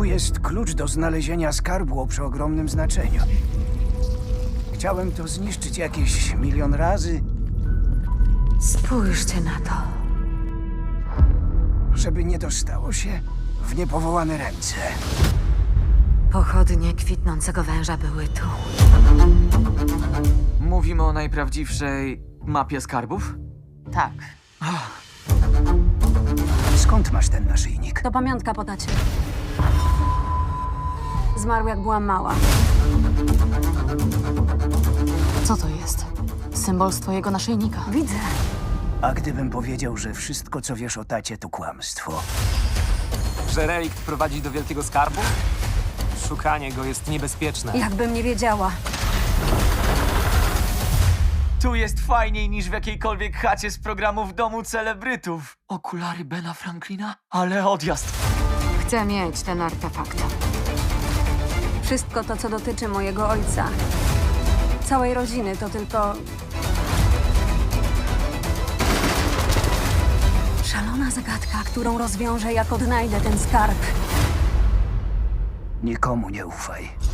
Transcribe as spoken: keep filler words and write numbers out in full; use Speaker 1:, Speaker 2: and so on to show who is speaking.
Speaker 1: jest klucz do znalezienia skarbu o przeogromnym znaczeniu. Chciałem to zniszczyć jakieś milion razy,
Speaker 2: Spójrzcie na to.
Speaker 1: żeby nie dostało się w niepowołane ręce.
Speaker 2: Pochodnie kwitnącego węża były tu.
Speaker 3: Mówimy o najprawdziwszej mapie skarbów?
Speaker 4: Tak.
Speaker 1: Skąd masz ten naszyjnik?
Speaker 5: To pamiątka po tacie. Zmarł jak byłam mała.
Speaker 4: Co to jest? Symbol z twojego naszyjnika.
Speaker 5: Widzę.
Speaker 1: A gdybym powiedział, że wszystko, co wiesz o tacie, to kłamstwo?
Speaker 6: Że relikt prowadzi do wielkiego skarbu? Szukanie go jest niebezpieczne.
Speaker 5: Jakbym nie wiedziała.
Speaker 3: Tu jest fajniej niż w jakiejkolwiek chacie z programu w domu celebrytów. Okulary Bena Franklina? Ale odjazd.
Speaker 2: Chcę mieć ten artefakt.
Speaker 5: Wszystko to, co dotyczy mojego ojca. Całej rodziny to tylko... szalona zagadka, którą rozwiążę, jak odnajdę ten skarb.
Speaker 1: Nikomu nie ufaj.